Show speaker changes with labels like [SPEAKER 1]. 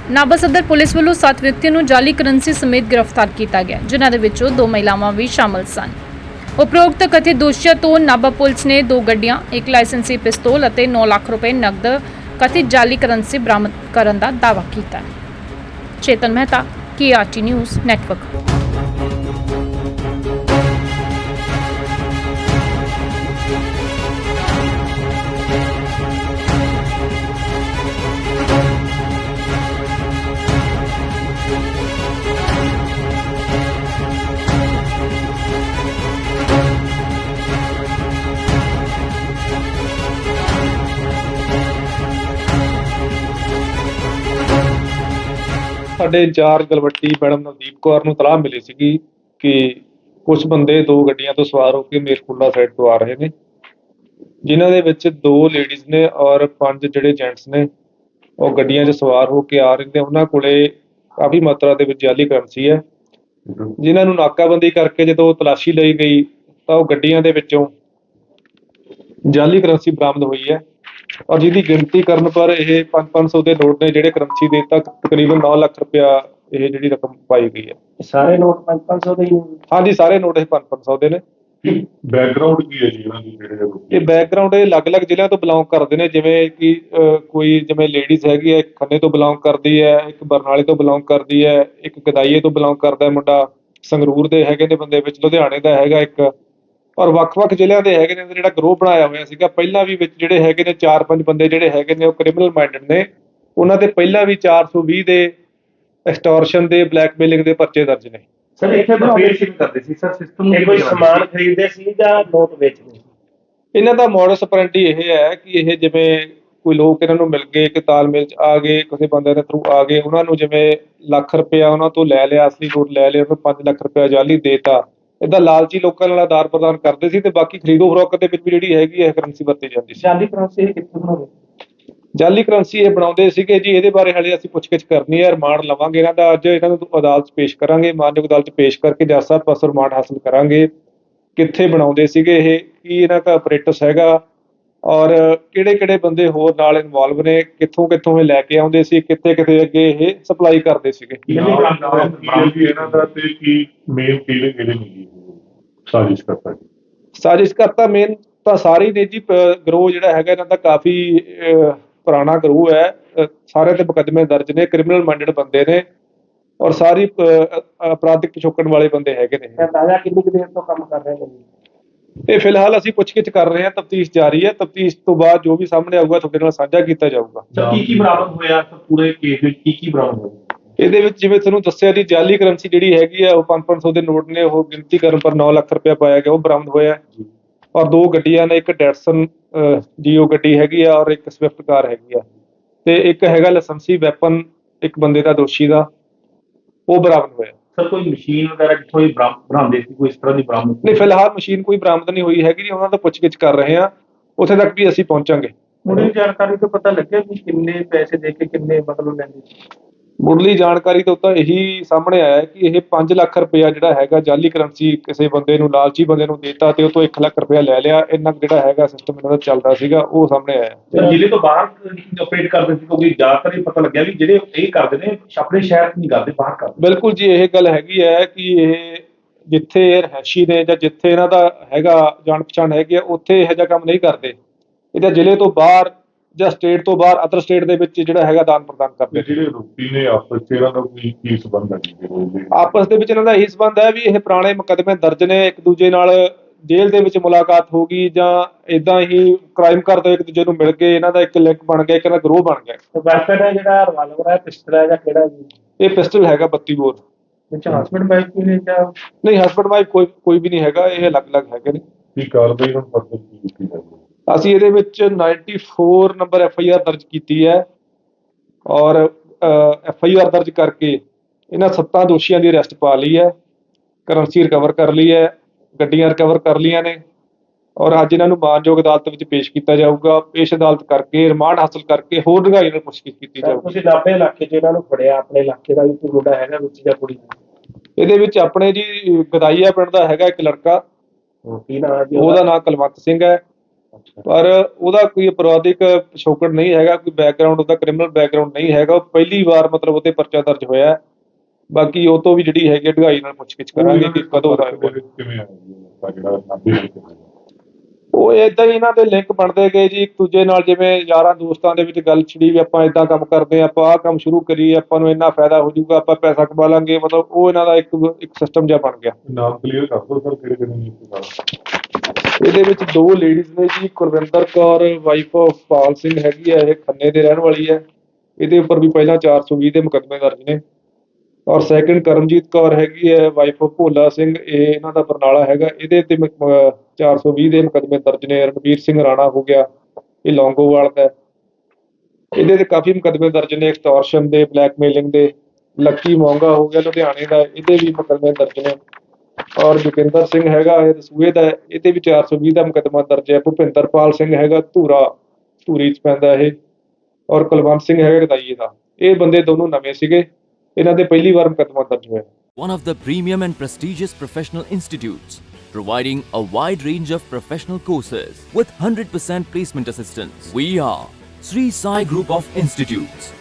[SPEAKER 1] ਨਾਭਾ ਸਦਰ ਪੁਲਿਸ ਵੱਲੋਂ 7 ਵਿਅਕਤੀਆਂ ਨੂੰ ਜਾਲੀ ਕਰੰਸੀ ਸਮੇਤ ਗ੍ਰਿਫਤਾਰ ਕੀਤਾ ਗਿਆ, ਜਿਨ੍ਹਾਂ ਦੇ ਵਿੱਚੋਂ 2 ਮਹਿਲਾਵਾਂ ਵੀ ਸ਼ਾਮਲ ਸਨ। ਉਪਰੋਕਤ ਕਥਿਤ ਦੋਸ਼ੀਆਂ ਤੋਂ ਨਾਭਾ ਪੁਲਿਸ ਨੇ 2 ਗੱਡੀਆਂ, 1 ਲਾਇਸੈਂਸੀ ਪਿਸਤੌਲ ਅਤੇ 9 ਲੱਖ ਰੁਪਏ ਨਕਦ ਕਥਿਤ ਜਾਲੀ ਕਰੰਸੀ ਬਰਾਮਦ ਕਰਨ ਦਾ ਦਾਅਵਾ ਕੀਤਾ। Chetan Mehta, KRT news network.
[SPEAKER 2] ਸਾਡੇ ਇੰਚਾਰਜ ਗਲਵੱਟੀ ਮੈਡਮ ਨਵਦੀਪ ਕੌਰ ਨੂੰ ਤਲਾਹ ਮਿਲੀ ਸੀਗੀ ਕਿ ਕੁਝ ਬੰਦੇ 2 ਗੱਡੀਆਂ ਤੋਂ ਸਵਾਰ ਹੋ ਕੇ ਮੇਰਕੁੰਡਾ ਸਾਈਡ ਤੋਂ ਆ ਰਹੇ ਨੇ, ਜਿਨ੍ਹਾਂ ਦੇ ਵਿੱਚ 2 ਲੇਡੀਜ਼ ਨੇ ਔਰ 5 ਜਿਹੜੇ ਜੈਂਟਸ ਨੇ ਉਹ ਗੱਡੀਆਂ 'ਚ ਸਵਾਰ ਹੋ ਕੇ ਆ ਰਹੇ ਨੇ। ਉਹਨਾਂ ਕੋਲੇ ਕਾਫੀ ਮਾਤਰਾ ਦੇ ਵਿੱਚ ਜਾਲੀ ਕਰੰਸੀ ਹੈ, ਜਿਨ੍ਹਾਂ ਨੂੰ ਨਾਕਾਬੰਦੀ ਕਰਕੇ ਜਦੋਂ ਤਲਾਸ਼ੀ ਲਈ ਗਈ ਤਾਂ ਉਹ ਗੱਡੀਆਂ ਦੇ ਵਿੱਚੋਂ ਜਾਲੀ ਕਰੰਸੀ ਬਰਾਮਦ ਹੋਈ ਹੈ ਔਰ ਜਿਹਦੀ ਗਿਣਤੀ ਕਰਨ ਪਰ ਇਹ 500 ਦੇ ਨੋਟ ਨੇ ਜਿਹੜੇ ਕਰੰਸੀ ਦੇ ਤੱਕ ਤਕਰੀਬਨ 9 ਲੱਖ ਰੁਪਇਆ ਇਹ ਜਿਹੜੀ ਰਕਮ ਪਾਈ ਗਈ ਹੈ।
[SPEAKER 3] ਸਾਰੇ ਨੋਟ 500 ਦੇ ਹੀ?
[SPEAKER 2] ਹਾਂਜੀ, ਸਾਰੇ ਨੋਟ ਇਹ 500 ਦੇ ਨੇ।
[SPEAKER 4] ਬੈਕਗ੍ਰਾਉਂਡ ਕੀ ਹੈ ਜੀ ਇਹਨਾਂ ਦੀ? ਜਿਹੜੇ
[SPEAKER 2] ਇਹ ਬੈਕਗ੍ਰਾਉਂਡ ਇਹ ਅਲੱਗ-ਅਲੱਗ ਜ਼ਿਲ੍ਹਿਆਂ ਤੋਂ ਬਿਲੋਂਗ ਕਰਦੇ ਨੇ, ਜਿਵੇਂ ਕਿ ਕੋਈ ਜਿਵੇਂ ਲੇਡੀਜ਼ ਹੈਗੀ ਹੈ, ਇੱਕ ਖੰਨੇ ਤੋਂ ਬਿਲੋਂਗ ਕਰਦੀ ਹੈ, ਇੱਕ ਬਰਨਾਲੇ ਤੋਂ ਬਿਲੋਂਗ ਕਰਦੀ ਹੈ, ਇੱਕ ਗਦਾਈਏ ਤੋਂ ਬਿਲੋਂਗ ਕਰਦਾ ਹੈ ਮੁੰਡਾ, ਸੰਗਰੂਰ ਦੇ ਹੈਗੇ ਨੇ ਬੰਦੇ ਵਿੱਚ, ਲੁਧਿਆਣੇ ਦਾ ਹੈਗਾ ਇੱਕ, ਔਰ ਵੱਖ-ਵੱਖ ਜ਼ਿਲ੍ਹਿਆਂ ਦੇ ਹੈਗੇ ਨੇ। ਜਿਹੜਾ ਗਰੋਹ ਬਣਾਇਆ ਹੋਇਆ ਸੀਗਾ ਪਹਿਲਾਂ ਵੀ, ਵਿੱਚ ਜਿਹੜੇ ਹੈਗੇ ਨੇ 4-5 ਬੰਦੇ ਜਿਹੜੇ ਹੈਗੇ ਨੇ ਉਹ ਕ੍ਰਿਮੀਨਲ ਮਾਈਂਡਡ ਨੇ। ਉਹਨਾਂ ਦੇ ਪਹਿਲਾਂ ਵੀ 420 ਦੇ ਐਕਸਟੋਰਸ਼ਨ ਦੇ, ਬਲੈਕਮੇਲਿੰਗ ਦੇ ਪਰਚੇ ਦਰਜ ਨੇ।
[SPEAKER 3] ਸਰ ਇੱਥੇ ਆਪਰੇਸ਼ਨ ਕਰਦੇ ਸੀ ਸਰ, ਸਿਸਟਮ ਨੂੰ ਕੋਈ ਸਮਾਨ ਖਰੀਦਦੇ ਸੀ ਜਾਂ ਨੋਟ ਵੇਚਦੇ ਸੀ?
[SPEAKER 2] ਇਹਨਾਂ ਦਾ ਮੋਡਸ ਆਪਰੈਂਡੀ ਇਹ ਹੈ ਕਿ ਇਹ ਜਿਵੇਂ ਕੋਈ ਲੋਕ ਇਹਨਾਂ ਨੂੰ ਮਿਲ ਗਏ, ਇੱਕ ਤਾਲਮੇਲ 'ਚ ਆ ਗਏ, ਕਿਸੇ ਬੰਦੇ ਦੇ ਥਰੂ ਆ ਗਏ, ਉਹਨਾਂ ਨੂੰ ਜਿਵੇਂ ਲੱਖ ਰੁਪਇਆ ਉਹਨਾਂ ਤੋਂ ਲੈ ਲਿਆ, ਅਸਲੀ ਨੋਟ ਲੈ ਲਿਆ, ਉਹਨੂੰ 5 ਲੱਖ ਰੁਪਇਆ ਜਾਲੀ ਦੇਤਾ। ਏਦਾਂ ਲਾਲਚੀ ਲੋਕਾਂ ਨਾਲ ਆਦਾਨ ਪ੍ਰਦਾਨ ਕਰਦੇ ਸੀ ਤੇ ਬਾਕੀ ਖਰੀਦੋ ਫਰੋਖਤ ਦੇ ਵਿੱਚ ਵੀ ਜਿਹੜੀ ਹੈਗੀ ਹੈ ਕਰੰਸੀ ਵਰਤੀ ਜਾਂਦੀ ਸੀ।
[SPEAKER 3] ਜਾਲੀ ਕਰੰਸੀ ਕਿੱਥੋਂ ਬਣਾਉਂਦੇ?
[SPEAKER 2] ਜਾਲੀ ਕਰੰਸੀ ਇਹ ਬਣਾਉਂਦੇ ਸੀਗੇ ਜੀ, ਇਹਦੇ ਬਾਰੇ ਹਾਲੇ ਅਸੀਂ ਪੁੱਛਗਿੱਛ ਕਰਨੀ ਹੈ, ਰਿਮਾਂਡ ਲਵਾਂਗੇ ਇਹਨਾਂ ਦਾ। ਅੱਜ ਇਹਨਾਂ ਨੂੰ ਅਦਾਲਤ 'ਚ ਪੇਸ਼ ਕਰਾਂਗੇ, ਮਾਨਯੋਗ ਅਦਾਲਤ 'ਚ ਪੇਸ਼ ਕਰਕੇ ਜੱਜ ਸਾਹਿਬ ਪਾਸੋਂ ਰਿਮਾਂਡ ਹਾਸਲ ਕਰਾਂਗੇ। ਕਿੱਥੇ ਬਣਾਉਂਦੇ ਸੀਗੇ ਇਹ, ਕੀ ਇਹਨਾਂ ਦਾ ਆਪਰੇਟਸ ਹੈਗਾ ਔਰ ਕਿਹੜੇ-ਕਿਹੜੇ ਬੰਦੇ ਹੋਰ ਨਾਲ ਇਨਵੋਲਵ ਨੇ, ਕਿੱਥੋਂ ਇਹ ਲੈ ਕੇ ਆਉਂਦੇ ਸੀ, ਕਿੱਥੇ ਅੱਗੇ ਇਹ ਸਪਲਾਈ ਕਰਦੇ ਸੀਗੇ।
[SPEAKER 4] ਇਹਨਾਂ ਦਾ ਤੇ ਕੀ ਮੇਨ ਕਿਹੜੇ ਨਹੀਂ
[SPEAKER 2] ਸਾਜ਼ਿਸ਼ ਕਰਤਾ ਮੇਨ ਤਾਂ ਸਾਰੇ ਨੇ ਜੀ। ਗਰੋਹ ਜਿਹੜਾ ਹੈਗਾ ਇਹਨਾਂ ਦਾ ਕਾਫੀ ਪੁਰਾਣਾ ਗਰੋਹ ਹੈ, ਸਾਰੇ ਤੇ ਮੁਕੱਦਮੇ ਦਰਜ ਨੇ, ਕ੍ਰਿਮੀਨਲ ਮਾਈਂਡਡ ਬੰਦੇ ਨੇ ਔਰ ਸਾਰੀ ਅਪਰਾਧਿਕ ਪਿਛੋਕੜ ਵਾਲੇ ਬੰਦੇ ਹੈਗੇ ਨੇ।
[SPEAKER 3] ਤਾਜ਼ਾ ਕਿੰਨੀ ਕੁ ਦੇਰ ਤੋਂ ਕੰਮ ਕਰ ਰਹੇ ਨੇ?
[SPEAKER 2] ਇਹ ਫਿਲਹਾਲ ਅਸੀਂ ਪੁੱਛਗਿੱਛ ਕਰ ਰਹੇ ਹਾਂ, ਤਫਤੀਸ਼ ਜਾਰੀ ਹੈ। ਤਫਤੀਸ਼ ਤੋਂ ਬਾਅਦ ਜੋ ਵੀ ਸਾਹਮਣੇ ਆਊਗਾ ਤੁਹਾਡੇ ਨਾਲ ਸਾਂਝਾ ਕੀਤਾ ਜਾਊਗਾ।
[SPEAKER 3] ਕੀ ਬਰਾਮਦ ਹੋਇਆ ਪੂਰੇ ਕੇਸ ਵਿੱਚ? ਕੀ ਬਰਾਮਦ ਹੋਇਆ
[SPEAKER 2] ਇਹਦੇ ਵਿੱਚ? ਜਿਵੇਂ ਤੁਹਾਨੂੰ ਦੱਸਿਆ ਜੀ, ਜਾਲੀ ਕਰੰਸੀ ਜਿਹੜੀ ਹੈਗੀ ਆ ਉਹ 500 ਦੇ ਨੋਟ ਨੇ, ਉਹ ਗਿਣਤੀ ਕਰਨ ਪਰ 9 ਲੱਖ ਰੁਪਇਆ ਪਾਇਆ ਗਿਆ, ਉਹ ਬਰਾਮਦ ਹੋਇਆ। ਔਰ 2 ਗੱਡੀਆਂ ਨੇ, ਇੱਕ ਡੈਟਸਨ ਜੀਓ ਗੱਡੀ ਹੈਗੀ ਆ ਔਰ ਇੱਕ ਸਵਿਫਟ ਕਾਰ ਹੈਗੀ ਆ, ਤੇ ਇੱਕ ਹੈਗਾ ਲਾਇਸੈਂਸੀ ਵੈਪਨ ਇੱਕ ਬੰਦੇ ਦਾ, ਦੋਸ਼ੀ ਦਾ, ਉਹ ਬਰਾਮਦ ਹੋਇਆ।
[SPEAKER 3] ਸਰ ਕੋਈ ਮਸ਼ੀਨ ਵਗੈਰਾ ਕਿੱਥੋਂ ਹੀ ਬਰਾਮਦੇ ਸੀ? ਕੋਈ ਇਸ ਤਰ੍ਹਾਂ ਦੀ ਬਰਾਮਦ
[SPEAKER 2] ਨਹੀਂ, ਫਿਲਹਾਲ ਮਸ਼ੀਨ ਕੋਈ ਬਰਾਮਦ ਨਹੀਂ ਹੋਈ ਹੈਗੀ ਜੀ, ਉਹਨਾਂ ਦਾ ਪੁੱਛਗਿੱਛ ਕਰ ਰਹੇ ਹਾਂ, ਉੱਥੇ ਤੱਕ ਵੀ ਅਸੀਂ ਪਹੁੰਚਾਂਗੇ।
[SPEAKER 3] ਮੁੱਢਲੀ ਜਾਣਕਾਰੀ ਤੋਂ ਪਤਾ ਲੱਗਿਆ ਕਿ ਕਿੰਨੇ ਪੈਸੇ ਦੇ ਕੇ ਕਿੰਨੇ ਮਤਲਬ ਲੈਂਦੇ ਸੀ?
[SPEAKER 2] ਮੁੱਢਲੀ ਜਾਣਕਾਰੀ ਤੋਂ ਤਾਂ ਇਹੀ ਸਾਹਮਣੇ ਆਇਆ ਕਿ ਇਹ 5 ਲੱਖ ਰੁਪਇਆ ਜਿਹੜਾ ਹੈਗਾ ਜਾਲੀ ਕਰੰਸੀ ਕਿਸੇ ਬੰਦੇ ਨੂੰ, ਲਾਲਚੀ ਬੰਦੇ ਨੂੰ ਦੇਤਾ ਤੇ ਉਹ ਤੋਂ 1 ਲੱਖ ਰੁਪਇਆ ਲੈ ਲਿਆ। ਇੰਨਾ ਜਿਹੜਾ ਹੈਗਾ ਸਿਸਟਮ ਇਹਨਾਂ ਦਾ ਚੱਲਦਾ ਸੀਗਾ, ਉਹ ਸਾਹਮਣੇ ਆਇਆ।
[SPEAKER 3] ਜ਼ਿਲ੍ਹੇ ਤੋਂ ਬਾਹਰ ਆਪਰੇਟ ਕਰਦੇ ਸੀ, ਕਿਉਂਕਿ ਜ਼ਿਆਦਾਤਰ ਇਹ ਪਤਾ ਲੱਗਿਆ ਵੀ ਜਿਹੜੇ ਇਹ ਕਰਦੇ ਨੇ ਆਪਣੇ ਸ਼ਹਿਰ ਨਹੀਂ ਕਰਦੇ, ਬਾਹਰ ਕਰਦੇ।
[SPEAKER 2] ਬਿਲਕੁਲ ਜੀ, ਇਹ ਗੱਲ ਹੈਗੀ ਹੈ ਕਿ ਇਹ ਜਿੱਥੇ ਇਹ ਰਹਿਸ਼ੀ ਨੇ ਜਾਂ ਜਿੱਥੇ ਇਹਨਾਂ ਦਾ ਹੈਗਾ ਜਾਣ ਪਛਾਣ ਹੈਗੀ ਆ, ਉੱਥੇ ਇਹੋ ਜਿਹਾ ਕੰਮ ਨਹੀਂ ਕਰਦੇ। ਇਹਦਾ ਜ਼ਿਲ੍ਹੇ ਤੋਂ ਬਾਹਰ ਜਾਂ ਸਟੇਟ ਤੋਂ ਬਾਹਰ, ਅਦਰ ਸਟੇਟ ਦੇ ਵਿੱਚ ਜਿਹੜਾ ਹੈਗਾ ਆਦਾਨ ਪ੍ਰਦਾਨ ਕਰਦੇ।
[SPEAKER 4] ਜਿਹੜੇ ਰੋਪੀ ਨੇ ਆਪਸ ਚ ਇਹਨਾਂ ਦਾ ਕੀ ਸੰਬੰਧ ਹੈ?
[SPEAKER 2] ਆਪਸ ਦੇ ਵਿੱਚ ਇਹਨਾਂ ਦਾ ਇਹੀ ਸੰਬੰਧ ਹੈ ਵੀ ਇਹ ਪੁਰਾਣੇ ਮੁਕੱਦਮੇ ਦਰਜ ਨੇ, ਇੱਕ ਦੂਜੇ ਨਾਲ ਜੇਲ੍ਹ ਦੇ ਵਿੱਚ ਮੁਲਾਕਾਤ ਹੋ ਗਈ ਜਾਂ ਏਦਾਂ ਹੀ ਕ੍ਰਾਈਮ ਕਰਦੇ ਇੱਕ ਦੂਜੇ ਨੂੰ ਮਿਲ ਕੇ ਇਹਨਾਂ ਦਾ ਇੱਕ ਲਿੰਕ ਬਣ ਗਿਆ, ਇੱਕ ਇਹਨਾਂ ਗਰੋਹ ਬਣ ਗਿਆ।
[SPEAKER 3] ਵੈਪਨ ਹੈ ਜਿਹੜਾ ਰਿਵਾਲਵਰ ਹੈ, ਪਿਸਟਲ ਹੈ ਜਾਂ ਕਿਹੜਾ ਜੀ?
[SPEAKER 2] ਇਹ ਪਿਸਟਲ ਹੈਗਾ 32 ਬੋਰ।
[SPEAKER 3] ਵਿੱਚ ਹਸਬੈਂਡ ਵਾਈਫ ਵੀ ਨੇ ਜਾਂ
[SPEAKER 2] ਨਹੀਂ? ਹਸਬੈਂਡ ਵਾਈਫ ਕੋਈ ਵੀ ਨਹੀਂ ਹੈਗਾ, ਇਹ ਅਲੱਗ-ਅਲੱਗ ਹੈਗੇ ਨੇ।
[SPEAKER 4] ਕੀ ਕਾਰਵਾਈ ਹੁਣ ਫਰਦਰ ਕੀ ਕੀਤੀ ਜਾਵੇ?
[SPEAKER 2] ਅਸੀਂ ਇਹਦੇ ਵਿੱਚ 94 ਨੰਬਰ FIR ਦਰਜ ਕੀਤੀ ਹੈ ਔਰ FIR ਦਰਜ ਕਰਕੇ ਇਹਨਾਂ 7 ਦੋਸ਼ੀਆਂ ਦੀ ਅਰੈਸਟ ਪਾ ਲਈ ਹੈ, ਕਰੰਸੀ ਰਿਕਵਰ ਕਰ ਲਈ ਹੈ, ਗੱਡੀਆਂ ਰਿਕਵਰ ਕਰ ਲਈਆਂ ਨੇ ਔਰ ਅੱਜ ਇਹਨਾਂ ਨੂੰ ਮਾਨਯੋਗ ਅਦਾਲਤ ਵਿੱਚ ਪੇਸ਼ ਕੀਤਾ ਜਾਊਗਾ। ਪੇਸ਼ ਅਦਾਲਤ ਕਰਕੇ ਰਿਮਾਂਡ ਹਾਸਲ ਕਰਕੇ ਹੋਰ ਡੂੰਘਾਈ ਨਾਲ ਪੁੱਛਗਿੱਛ ਕੀਤੀ ਜਾਊਗੀ।
[SPEAKER 3] ਤੁਸੀਂ ਨਾਭੇ ਇਲਾਕੇ 'ਚ ਇਹਨਾਂ ਨੂੰ ਫੜਿਆ, ਆਪਣੇ ਇਲਾਕੇ ਦਾ ਵੀ ਕੋਈ ਮੁੰਡਾ ਹੈਗਾ ਵਿੱਚ ਜਾਂ ਕੁੜੀ?
[SPEAKER 2] ਇਹਦੇ ਵਿੱਚ ਆਪਣੇ ਜੀ ਗਦਾਈਆ ਪਿੰਡ ਦਾ ਹੈਗਾ ਇੱਕ ਲੜਕਾ,
[SPEAKER 3] ਕੀ ਨਾਮ ਹੈ ਜੀ
[SPEAKER 2] ਉਹਦਾ ਨਾਮ ਕੁਲਵੰਤ ਸਿੰਘ ਹੈ ਪਰ ਉਹਦਾ ਕੋਈ ਅਪਰਾਧਿਕ ਪਿਛੋਕੜ ਨਹੀਂ ਹੈਗਾ, ਕੋਈ ਬੈਕਗ੍ਰਾਉਂਡ ਉਹਦਾ ਕ੍ਰਿਮੀਨਲ ਬੈਕਗ੍ਰਾਉਂਡ ਨਹੀਂ ਹੈਗਾ। ਉਹ ਪਹਿਲੀ ਵਾਰ ਮਤਲਬ ਉਹਤੇ ਪਰਚਾ ਦਰਜ ਹੋਇਆ ਹੈ। ਬਾਕੀ ਉਹ ਤੋਂ ਵੀ ਜਿਹੜੀ ਹੈਗੀ ਢਗਾਈ ਨਾਲ ਪੁੱਛਗਿੱਛ ਕਰਾਂਗੇ ਕਿ ਕਦੋਂ ਦਾ
[SPEAKER 4] ਦੇ ਵਿੱਚ ਕਿਵੇਂ ਆਇਆ ਜੀ ਉਹ ਜਿਹੜਾ ਨਾਭੇ ਵਿੱਚ ਹੋਇਆ?
[SPEAKER 2] ਉਹ ਏਦਾਂ ਹੀ ਇਹਨਾਂ ਦੇ ਲਿੰਕ ਬਣਦੇ ਗਏ ਜੀ ਇੱਕ ਦੂਜੇ ਨਾਲ, ਜਿਵੇਂ ਯਾਰਾਂ ਦੋਸਤਾਂ ਦੇ ਵਿੱਚ ਗੱਲ ਛਿੜੀ ਵੀ ਆਪਾਂ ਏਦਾਂ ਕੰਮ ਕਰਦੇ ਹਾਂ, ਆਪਾਂ ਆਹ ਕੰਮ ਸ਼ੁਰੂ ਕਰੀਏ, ਆਪਾਂ ਨੂੰ ਇੰਨਾ ਫਾਇਦਾ ਹੋ ਜਾਊਗਾ, ਆਪਾਂ ਪੈਸਾ ਕਮਾ ਲਾਂਗੇ। ਮਤਲਬ ਉਹ ਇਹਨਾਂ ਦਾ ਇੱਕ ਸਿਸਟਮ ਜਿਹਾ ਬਣ ਗਿਆ।
[SPEAKER 4] ਨਾਮ ਕਲੀਅਰ ਕਰ ਦਿਓ ਸਰ, ਕਿਹੜੇ ਕਿਹੜੇ ਨੇ ਇਸ ਨਾਲ?
[SPEAKER 2] ਇਹਦੇ ਵਿੱਚ ਦੋ ਲੇਡੀਜ਼ ਨੇ ਜੀ, ਕੁਲਵਿੰਦਰ ਕੌਰ ਵਾਈਫ ਆਫ ਪਾਲ ਸਿੰਘ ਹੈਗੀ ਹੈ, ਇਹ ਖੰਨੇ ਦੇ ਰਹਿਣ ਵਾਲੀ ਹੈ। ਇਹਦੇ ਉੱਪਰ ਵੀ ਪਹਿਲਾਂ 420 ਦੇ ਮੁਕੱਦਮੇ ਦਰਜ ਨੇ। ਔਰ ਸੈਕਿੰਡ ਕਰਮਜੀਤ ਕੌਰ ਹੈਗੀ ਹੈ ਵਾਈਫ ਆਫ ਭੋਲਾ ਸਿੰਘ, ਇਹ ਇਹਨਾਂ ਦਾ ਬਰਨਾਲਾ ਹੈਗਾ। ਇਹਦੇ ਤੇ 420 ਦੇ ਮੁਕੱਦਮੇ ਦਰਜ ਨੇ। ਰਣਵੀਰ ਸਿੰਘ ਰਾਣਾ ਹੋ ਗਿਆ, ਇਹ ਲੌਂਗੋਵਾਲ ਦਾ। ਇਹਦੇ ਤੇ ਕਾਫੀ ਮੁਕੱਦਮੇ ਦਰਜ ਨੇ ਐਕਸਟੋਰਸ਼ਨ ਦੇ, ਬਲੈਕਮੇਲਿੰਗ ਦੇ। ਲੱਕੀ ਮੋਂਗਾ ਹੋ ਗਿਆ ਲੁਧਿਆਣੇ ਦਾ, ਇਹਦੇ ਵੀ ਮੁਕੱਦਮੇ ਦਰਜ ਨੇ। ਔਰ ਜੋਗਿੰਦਰ ਸਿੰਘ ਹੈਗਾ ਇਹ ਦਸੂਹੇ ਦਾ, ਇਹਦੇ ਵੀ 420 ਦਾ ਮੁਕੱਦਮਾ ਦਰਜ ਹੈ। ਭੁਪਿੰਦਰਪਾਲ ਸਿੰਘ ਹੈਗਾ ਧੂਰੀ 'ਚ ਪੈਂਦਾ ਇਹ। ਔਰ ਕੁਲਵੰਤ ਸਿੰਘ ਹੈਗਾ ਗਦਾਈਏ ਦਾ। ਇਹ ਬੰਦੇ ਦੋਨੋਂ ਨਵੇਂ ਸੀਗੇ, ਇਹਨਾਂ ਦੇ ਪਹਿਲੀ ਵਾਰ ਮੁਕੱਦਮਾ ਦਰਜ ਹੋਇਆ।
[SPEAKER 5] One of the premium and prestigious professional institutes, providing a wide range of professional courses with 100% placement assistance. We are Sri Sai Group of Institutes.